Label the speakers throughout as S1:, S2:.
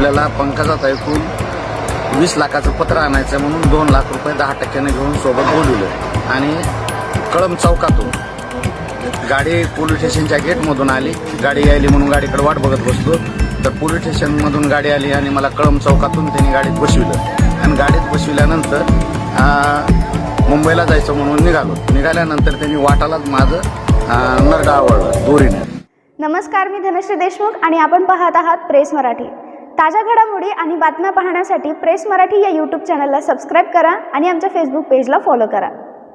S1: आपल्याला पंकजात ऐकून 20 लाखाचं पत्र आणायचं म्हणून 2 लाख रुपये 10% घेऊन सोबत बोलवलं आणि कळंब चौकातून गाडी पोलीस स्टेशनच्या गेटमधून आली. गाडी यायली म्हणून गाडीकडे वाट बघत बसलो तर पोलीस स्टेशनमधून गाडी आली आणि मला कळंब चौकातून त्यांनी गाडीत बसविलं आणि गाडीत बसविल्यानंतर मुंबईला जायचं म्हणून निघाल्यानंतर त्यांनी वाटालाच माझं नरडा आवळलं दोरीने.
S2: नमस्कार, मी धनश्री देशमुख आणि आपण पाहत आहात प्रेस मराठी. ताज्या घडामोडी आणि बातम्या पाहण्यासाठी प्रेस मराठी या यूट्यूब चॅनलला सबस्क्राईब करा आणि आमच्या फेसबुक पेजला फॉलो करा.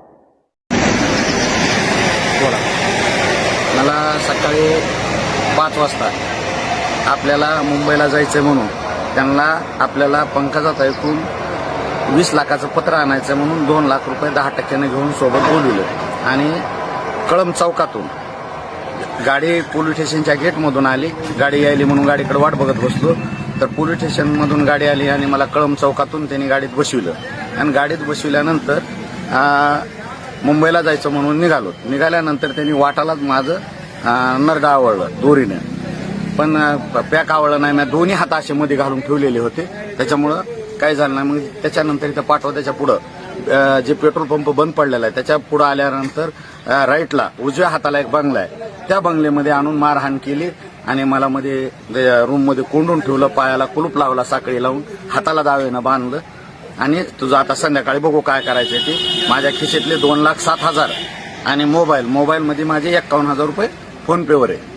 S1: मला सकाळी 5 वाजता आपल्याला मुंबईला जायचं म्हणून आपल्याला पंकजात ऐकून 20 लाखाचं पत्र आणायचं म्हणून 2 लाख रुपये 10% घेऊन सोबत बोलवलं आणि कळंब चौकातून गाडी पोलीस स्टेशनच्या गेटमधून आली. गाडी यायली म्हणून गाडीकडे वाट बघत बसलो तर पोलीस स्टेशनमधून गाडी आली आणि मला कळंब चौकातून त्यांनी गाडीत बसविलं आणि गाडीत बसविल्यानंतर मुंबईला जायचं म्हणून निघाल्यानंतर त्यांनी वाटालाच माझं नरडा आवळलं दोरीने. पण पॅक आवळलं नाही, मी दोन्ही हात असे मध्ये घालून ठेवलेले होते, त्याच्यामुळं काय झालं नाही. मग त्याच्यानंतर इथं पाठवत्याच्या पुढं जे पेट्रोल पंप बंद पडलेला आहे त्याच्या पुढं आल्यानंतर राईटला उजव्या हाताला एक बंगला आहे, त्या बंगल्यामध्ये आणून मारहाण केली आणि मला मध्ये रूममध्ये कोंडून ठेवलं, पायाला कुलूप लावला, साखळी लावून हाताला दावेनं बांधलं आणि तुझं आता संध्याकाळी बघू काय करायचं ते. माझ्या खिशेतले 2,07,000 आणि मोबाईलमध्ये माझे 51,000 रुपये फोनपेवर आहे.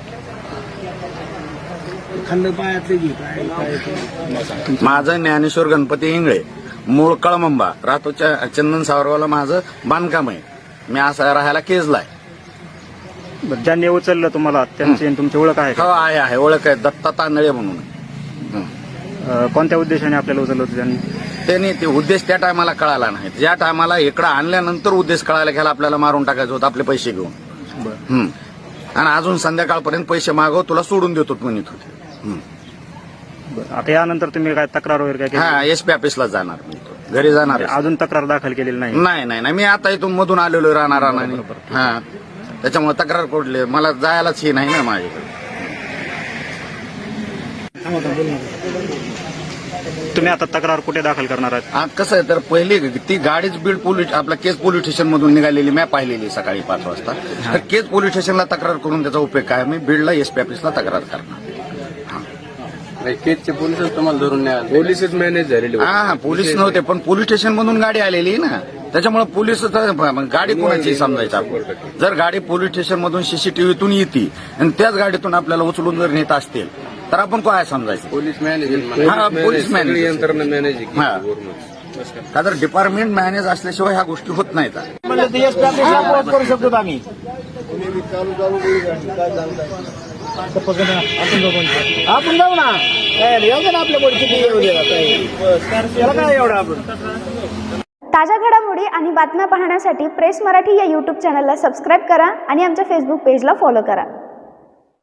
S1: माझं ज्ञानेश्वर गणपती इंगळे, मूळ कळमंबा, राहतो चंदन सावरवाला. माझं बांधकाम आहे, मी असं राहायला केजला आहे.
S3: ज्यांनी उचललं तुम्हाला त्यांची तुमची ओळख आहे?
S1: हो आहे, ओळख आहे, दत्ता तांदळे म्हणून.
S3: कोणत्या उद्देशाने आपल्याला उचललं होतं
S1: त्यांनी? ते उद्देश त्या टायमाला कळाला नाही. ज्या टायमाला इकडं आणल्यानंतर उद्देश कळायला घ्यायला आपल्याला मारून टाकायचं होतं आपले पैसे घेऊन. आणि अजून संध्याकाळपर्यंत पैसे मागव, तुला सोडून देतो म्हणत होते.
S3: आता यानंतर तुम्ही काय तक्रार वगैरे काय?
S1: हा, एसपी ऑफिसला जाणार, घरी जाणार.
S3: अजून तक्रार दाखल केलेली नाही?
S1: नाही, मी आता इथून मधून आलेलो राहणार. हा, त्याच्यामुळे तक्रार कोडली मला जायलाच ही नाही ना माझ्याकडे.
S3: तुम्ही आता तक्रार कुठे दाखल करणार आहात?
S1: कसं आहे तर पहिली ती गाडीच बीड पोलीस आपल्या केज पोलीस स्टेशन मधून निघालेली मी पाहिलेली सकाळी 5 वाजता. तर केज पोलीस स्टेशनला तक्रार करून त्याचा उपयोग काय? मी बीडला एसपी ऑफिसला तक्रार करणार.
S4: केजचे पोलीसच तुम्हाला धरून नाही, पोलीसच मॅनेज झालेले.
S1: हा, पोलीस नव्हते पण पोलीस स्टेशन मधून गाडी आलेली ना, त्याच्यामुळे पोलीस गाडी कोणाची समजायचं आपण. जर गाडी पोलीस स्टेशन मधून सीसीटीव्हीतून येते आणि त्याच गाडीतून आपल्याला उचलून जर नेत असतील तर आपण काय समजायचं?
S4: Police manage.
S1: पोलीस मॅनेज
S4: यंत्रणा मॅनेज.
S1: का तर डिपार्टमेंट मॅनेज असल्याशिवाय ह्या गोष्टी होत नाहीत.
S3: करू शकतो आम्ही. आपण जाऊ ना, आपल्या
S2: ताज्या घडामोडी आणि बातम्या पाहण्यासाठी प्रेस मराठी या यूट्यूब चॅनलला सबस्क्राईब करा आणि आमच्या फेसबुक पेजला फॉलो करा.